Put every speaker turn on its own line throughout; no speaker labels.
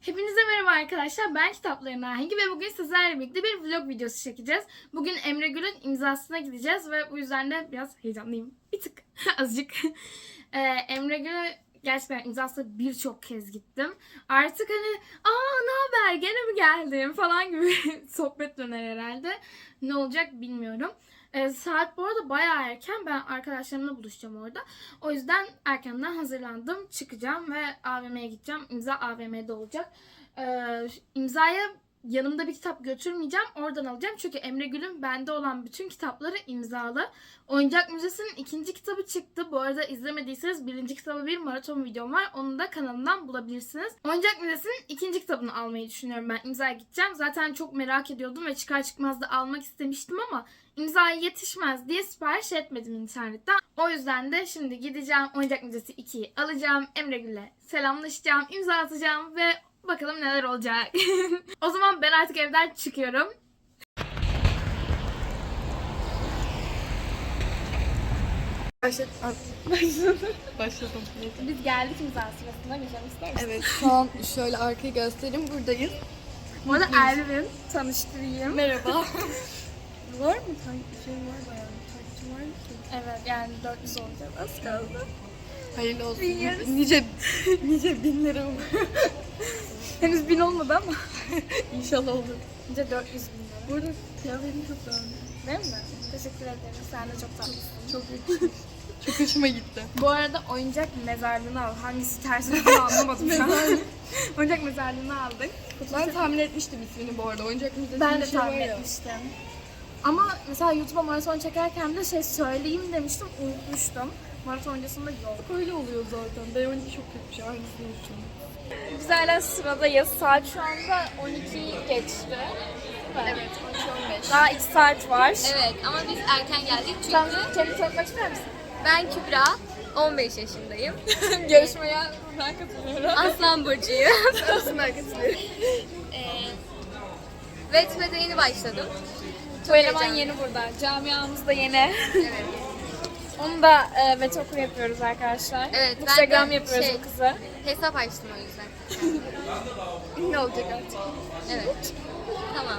Hepinize merhaba arkadaşlar. Ben Kitapların Ahengi ve bugün sizlerle birlikte bir vlog videosu çekeceğiz. Bugün Emre Gül'ün imzasına gideceğiz ve bu yüzden de biraz heyecanlıyım. Bir tık, azıcık. Emre Gül'ü gerçekten imzasına birçok kez gittim. Artık hani ne haber gene mi geldin falan gibi sohbet döner herhalde. Ne olacak bilmiyorum. Saat bu arada bayağı erken. Ben arkadaşlarımla buluşacağım orada. O yüzden erkenden hazırlandım. Çıkacağım ve AVM'ye gideceğim. İmza AVM'de olacak. İmzaya yanımda bir kitap götürmeyeceğim. Oradan alacağım. Çünkü Emre Gül'ün bende olan bütün kitapları imzalı. Oyuncak Müzesi'nin 2. kitabı çıktı. Bu arada izlemediyseniz 1. kitabı bir maraton videom var. Onu da kanalımdan bulabilirsiniz. Oyuncak Müzesi'nin 2. kitabını almayı düşünüyorum ben. İmzaya gideceğim. Zaten çok merak ediyordum ve çıkar çıkmaz da almak istemiştim ama İmzaya yetişmez diye sipariş etmedim internetten. O yüzden de şimdi gideceğim. Oyuncak Müzesi 2'yi alacağım. Emre Gül'le selamlaşacağım, imza atacağım ve bakalım neler olacak. O zaman ben artık evden çıkıyorum.
Başladım.
Biz geldik imza sırasına geçelim ister misin?
Evet, şu an şöyle arkayı göstereyim. Buradayız.
Bu arada Elvin tanıştırayım.
Merhaba. Var mı? Şey var bayağı. Takipçi var mı ki?
Evet yani 400 olacak. Az kaldı.
Hayırlı olsun.
Biliyoruz.
Nice binlerim.
Henüz 1000 olmadı ama.
İnşallah olur.
Nice 400 bin lira.
Bu arada kıyafetini çok beğendim.
Değil mi? Teşekkür ederim. Sen de çok tatlısın.
Çok yakışmış. Çok hoşuma gitti.
Bu arada oyuncak mezarlığını al. Hangisi ters olduğunu anlamadım şu an. Oyuncak mezarlığını aldık.
Ben tahmin etmiştim ismini bu arada. Oyuncak müzesi
Ben de
bir şey var
tahmin
ya.
etmiştim. Ama mesela YouTube'a maraton çekerken de söyleyeyim demiştim, unutmuştum. Maraton öncesinde yok.
Öyle oluyor zaten. B12 çok kötü bir şey. Aynısını unuttum.
Biz hala sıradayız. Saat şu anda 12'yi geçti.
Evet, 12-15.
Daha 2 saat var.
Evet ama biz erken geldik
Sen
çünkü
kendini tanıtmak ister misin?
ben Kübra, 15 yaşındayım.
Yarışmaya buradan katılıyorum.
Aslan burcuyum.
Arasından katılıyorum.
Wattpad'e yeni başladım.
Bu eleman
heyecanlı.
yeni burada. Camiamız da yeni.
Evet.
Onu da VT okur yapıyoruz arkadaşlar.
Evet, ben
Instagram
de
yapıyoruz o kızı.
Hesap açtım o yüzden.
Ne olacak artık?
Evet. Tamam.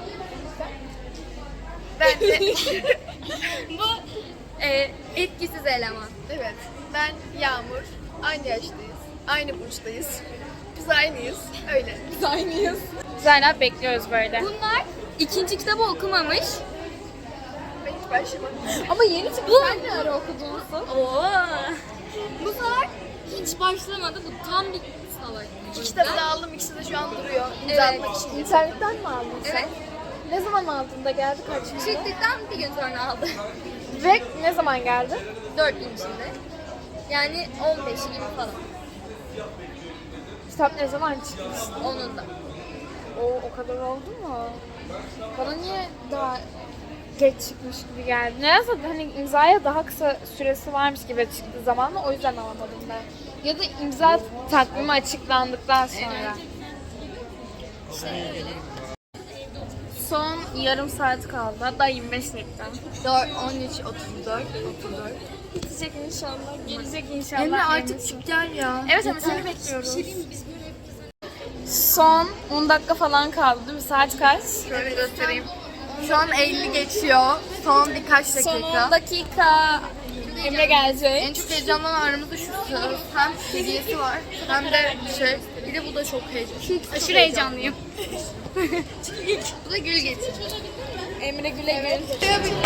Ben de...
Bu etkisiz eleman.
Evet, ben Yağmur. Aynı yaştayız. Aynı burçtayız. Biz aynıyız. Öyle.
Biz aynıyız. Biz hala bekliyoruz böyle.
Bunlar ikinci kitabı okumamış.
Ben hiç başlamadım.
Ama yeni çıktı. Sen ne ara okuduğunuzu?
Oo. Bu sefer hiç başlamadı. Bu tam bir salak.
İki kitabı da aldım. İkisi de şu an duruyor. İmza
Evet.
atmak için.
İnternetten mi aldın sen?
Evet.
Ne zaman aldın da geldi kaç gün?
Çıktıktan bir gün sonra aldım.
Ve ne zaman geldi?
4 gün içinde. Yani 15'i gibi falan.
Kitap ne zaman çıkmıştı?
Onun da.
O kadar oldu mu? Bana niye daha geç çıkmış gibi geldi? Neyse hani imzaya daha kısa süresi varmış gibi çıktığı zamanla o yüzden alamadım ben. Ya da imza takvimi açıklandıktan sonra. Son yarım saat kaldı. Hatta 25 dakika.
13, 34.
Bitecek inşallah. Gelecek inşallah.
Emre artık
Yemesin.
çık gel ya.
Evet ama seni bekliyoruz. Son 10 dakika falan kaldı değil mi? Saat kaç?
Şöyle göstereyim. Şu an 50 geçiyor. Son birkaç
Son 10
dakika.
dakika. Emre gelecek.
En çok heyecanlanan aramızda şu söz. Hem hediyesi var hem de bir de bu da çok heyecanlı.
Aşırı heyecanlıyım.
Bu da gül getir.
Emre güle gül.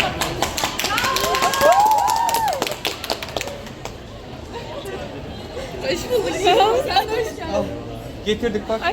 Hoş bulduk. Sen de hoş geldin.
Getirdik bak.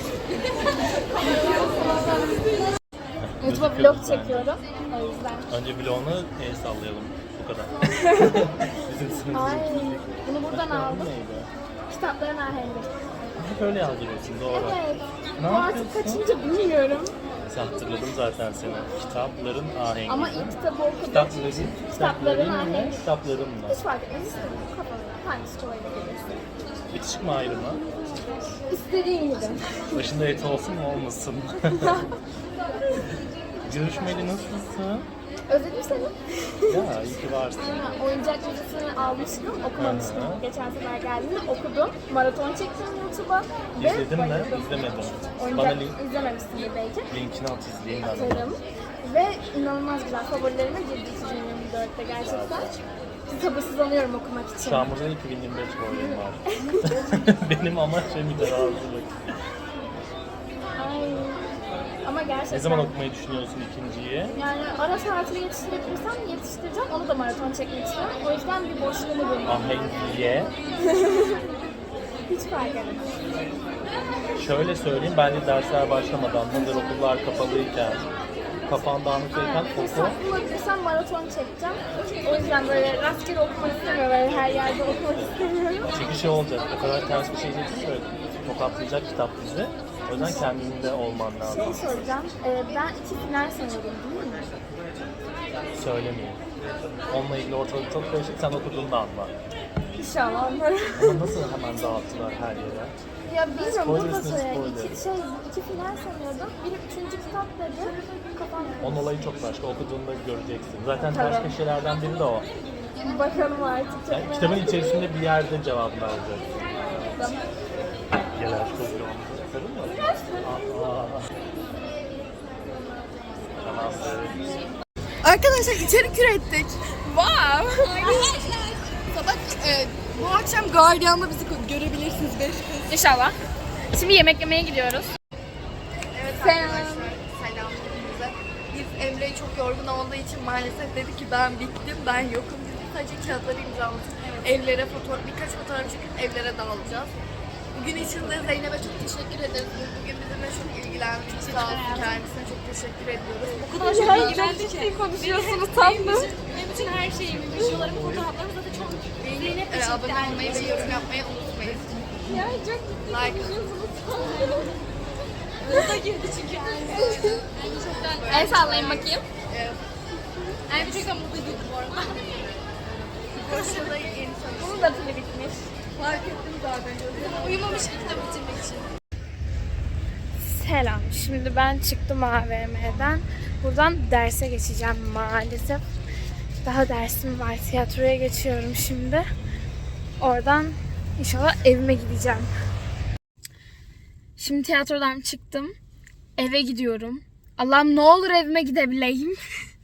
YouTube'a vlog çekiyorum. O yüzden.
Önce bloğunu el sallayalım. Bu kadar. Bizim
Ay,
sınıfımız.
bunu buradan aldım.
Neydi?
Kitapların ahengi.
Hep öyle yazdırıyorsun doğru.
Evet.
Ne
Bu artık
yapıyorsun?
kaçıncı bilmiyorum.
Hatırladım zaten seni. Kitapların ahengi.
Ama ilk kitabı okudum.
Kitapların
ahengi.
mı? Kitaplarınla.
Hiç fark etmez. İstediğin kafana. Hangisi kolayına gelirse.
Bitişik mi ayrılma?
İstediğin gibi.
Başında et olsun mu olmasın mı? Görüşmeli nasılsın?
Özledim seni.
Ya iyi ki varsın.
Oyuncak müzesini almıştım, okumamıştım.
Hı hı.
Geçen sefer geldiğimde okudum. Maraton çektim YouTube'a.
İzledin mi?
bayıldım.
İzlemedim. Bana
Oyuncak izlememişsindir belki.
linkini at izleyeyim ben.
Atarım. Ve inanılmaz güzel. Favorilerime girdi 2024'te gerçekten. Sabırsızlanıyorum okumak için.
Şu an burada 2025 boyum var. Benim amaç ve mütevazılık.
Ay. Ama gerçekten.
Ne zaman okumayı düşünüyorsun ikinciyi?
Yani ara saatini yetiştirebilirsem yetiştireceğim. Onu da maraton çekmek istiyorum. O yüzden bir boşluğumu bulmam.
Ahengiye.
Hiç fark etmez.
Şöyle söyleyeyim, ben de dersler başlamadan, hazır okullar kapalıyken, kafan dağınıklıyken oku.
Bulabilirsem maraton çekeceğim. O yüzden böyle rastgele okumak istemiyorum. Böyle her yerde okumak istemiyorum.
Çünkü şey olacak, o kadar ters bir şey diyeceksin ki tokatlayacak kitap bizi. O yüzden kendinde olman lazım.
Şey soracağım. Ben 2 final sanıyordum değil mi?
Söylemeyeyim. Onunla ilgili ortalık çok karışık, sen okuduğunda anla.
İnşallah anlarım.
Ama nasıl hemen dağıttılar her yere?
Ya bilmiyorum burada
Spoilersın,
söyle.
spoiler.
2 final sanıyordum. Biri 3. kitap dedi. Kafam
Onun olayı çok başka, okuduğunda göreceksin. Zaten ters
Tabii.
köşelerden biri de o.
bakalım artık. Çok
Yani
merak
kitabın
ediyorum.
içerisinde bir yerde cevabını alacaksın. Gel aşk olsun. Sarıl mı? Tamamdır.
Arkadaşlar içerik ürettik. Wow. Sabah bu akşam Guardian'da bizi görebilirsiniz 5 kız.
İnşallah. Şimdi yemek yemeye gidiyoruz.
Evet
Selam.
arkadaşlar selam hepinize. Biz Emre'yi çok yorgun olduğu için maalesef dedi ki ben bittim, ben yokum. Biz sadece kağıtları imzaladık. Evlere birkaç fotoğraf çekip evlere dağılacağız. Bugün için de Zeynep'e çok teşekkür ederiz. Bugün bizimle çok ilgilendi. Çok sağ olsun, kendisine çok teşekkür ediyoruz.
O kadar çok ilgilendi ki.
Konuşuyorsunuz tatlı.
Benim bütün her şeyimi, videolarımı, fotoğraflarımı zaten çok Zeynep de çekti
Abone olmayı ve yorum yapmayı unutmayın.
Ya çok
Like.
O da girdi çünkü. Yani çoktan.
El sallayın bakayım.
Yani çoktan mutluydu bu arada.
Koşuda yeni tanıştık.
Bunun da pili bitmiş.
Fark ettim zaten.
Uyumamış ki kitap bitirmek için.
Selam. Şimdi ben çıktım AVM'den. Buradan derse geçeceğim maalesef. Daha dersim var. Tiyatroya geçiyorum şimdi. Oradan inşallah evime gideceğim. Şimdi tiyatrodan çıktım. Eve gidiyorum. Allah'ım ne olur evime gidebileyim.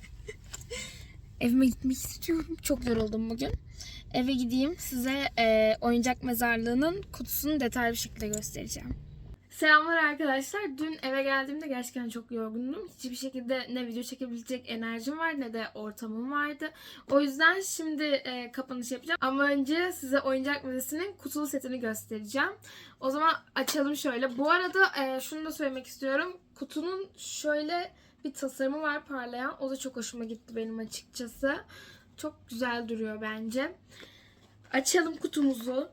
Evime gitmek istiyorum. Çok yoruldum bugün. Eve gideyim. Size oyuncak mezarlığının kutusunu detaylı bir şekilde göstereceğim. Selamlar arkadaşlar. Dün eve geldiğimde gerçekten çok yorgundum. Hiçbir şekilde ne video çekebilecek enerjim var ne de ortamım vardı. O yüzden şimdi kapanış yapacağım. Ama önce size oyuncak müzesinin kutulu setini göstereceğim. O zaman açalım şöyle. Bu arada şunu da söylemek istiyorum. Kutunun şöyle bir tasarımı var parlayan. O da çok hoşuma gitti benim açıkçası. Çok güzel duruyor bence. Açalım kutumuzu.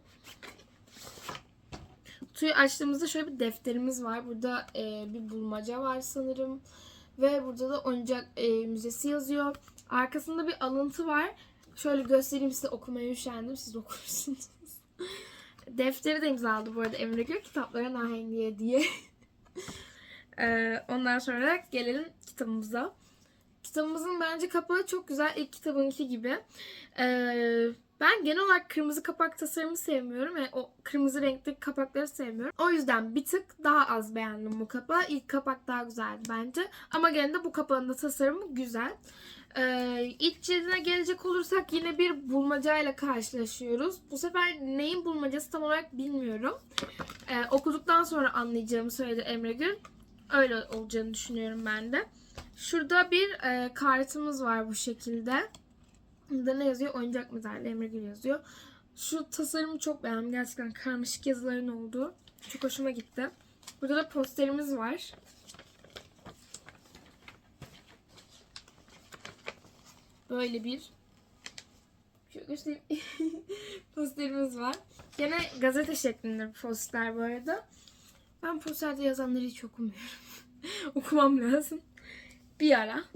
Kutuyu açtığımızda şöyle bir defterimiz var. Burada bir bulmaca var sanırım. Ve burada da oyuncak müzesi yazıyor. Arkasında bir alıntı var. Şöyle göstereyim size, okumaya üşendim. Siz okursunuz. Defteri de imzaladı bu arada Emre Gül. Kitaplara nahengiye diye. Ondan sonra gelelim kitabımıza. Kitabımızın bence kapağı çok güzel. İlk kitabınki gibi. Ben genel olarak kırmızı kapak tasarımı sevmiyorum. Yani o kırmızı renkli kapakları sevmiyorum. O yüzden bir tık daha az beğendim bu kapağı. İlk kapak daha güzeldi bence. Ama gene de bu kapağın da tasarımı güzel. İlk cildine gelecek olursak yine bir bulmacayla karşılaşıyoruz. Bu sefer neyin bulmacası tam olarak bilmiyorum. Okuduktan sonra anlayacağımı söyledi Emre Gül. Öyle olacağını düşünüyorum ben de. Şurada bir kartımız var bu şekilde. Burada ne yazıyor? Oyuncak mezarlığı Emre Gül yazıyor. Şu tasarımı çok beğendim. Gerçekten karmaşık yazıların olduğu. Çok hoşuma gitti. Burada da posterimiz var. Böyle bir şöyle göstereyim. Posterimiz var. Gene gazete şeklinde bir poster bu arada. Ben posterde yazanları hiç okumuyorum. Okumam lazım. Bir ara.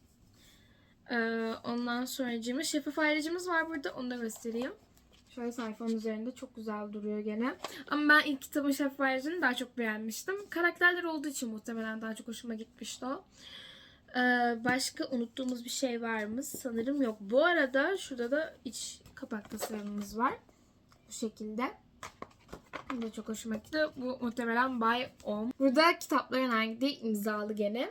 Ondan sonra şeffaf ayrıcımız var burada. Onu da göstereyim. Şöyle sayfanın üzerinde çok güzel duruyor gene. Ama ben ilk kitabın şeffaf ayrıcını daha çok beğenmiştim. Karakterler olduğu için muhtemelen daha çok hoşuma gitmişti o. Başka unuttuğumuz bir şey var mı? Sanırım yok. Bu arada şurada da iç kapak tasarımımız var. Bu şekilde. Bu da çok hoşuma gitti. Bu muhtemelen By Om. Burada kitapların hangi imzalı gene.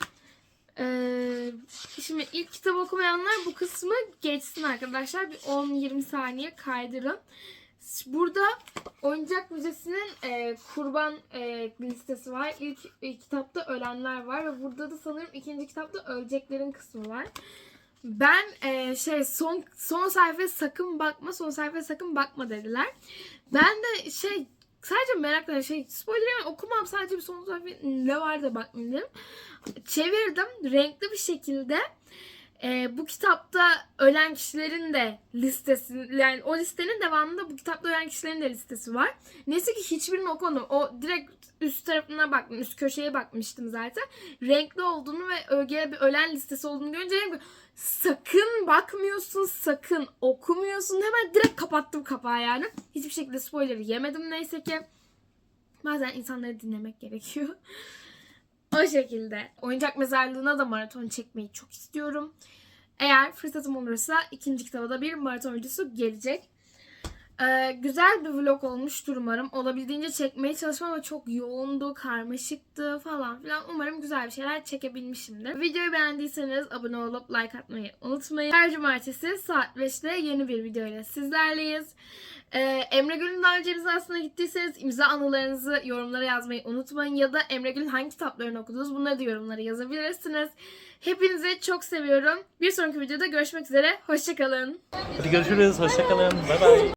Şimdi ilk kitap okumayanlar bu kısmı geçsin arkadaşlar. Bir 10-20 saniye kaydırın. Burada Oyuncak Müzesi'nin kurban listesi var. İlk kitapta ölenler var ve burada da sanırım ikinci kitapta öleceklerin kısmı var. Ben son sayfaya sakın bakma, son sayfaya sakın bakma dediler. Ben de sadece merakla spoiler okumam, sadece bir son sayfa ne var da bakmayayım dedim. Çevirdim renkli bir şekilde. Bu kitapta ölen kişilerin de listesi, yani o listenin devamında bu kitapta ölen kişilerin de listesi var. Neyse ki hiçbirini okumadım. O direkt üst tarafına baktım, üst köşeye bakmıştım zaten. Renkli olduğunu ve ögeye bir ölen listesi olduğunu görünce dedim ki sakın bakmıyorsun, sakın okumuyorsun. Hemen direkt kapattım kapağı yani. Hiçbir şekilde spoiler yemedim neyse ki. Bazen insanları dinlemek gerekiyor. O şekilde. Oyuncak Mezarlığı'na da maraton çekmeyi çok istiyorum. Eğer fırsatım olursa ikinci kitaba da bir maraton videosu gelecek. Güzel bir vlog olmuştur umarım. Olabildiğince çekmeye çalışmam ama çok yoğundu, karmaşıktı falan filan. Umarım güzel bir şeyler çekebilmişimdir. Videoyu beğendiyseniz abone olup like atmayı unutmayın. Her cumartesi saat 5'te yeni bir videoyla sizlerleyiz. Emre Gül'ün daha önce imzasına gittiyseniz imza anılarınızı yorumlara yazmayı unutmayın. Ya da Emre Gül'ün hangi kitaplarını okudunuz bunları da yorumlara yazabilirsiniz. Hepinizi çok seviyorum. Bir sonraki videoda görüşmek üzere. Hoşçakalın.
Hadi görüşürüz. Hoşçakalın. Bay bay.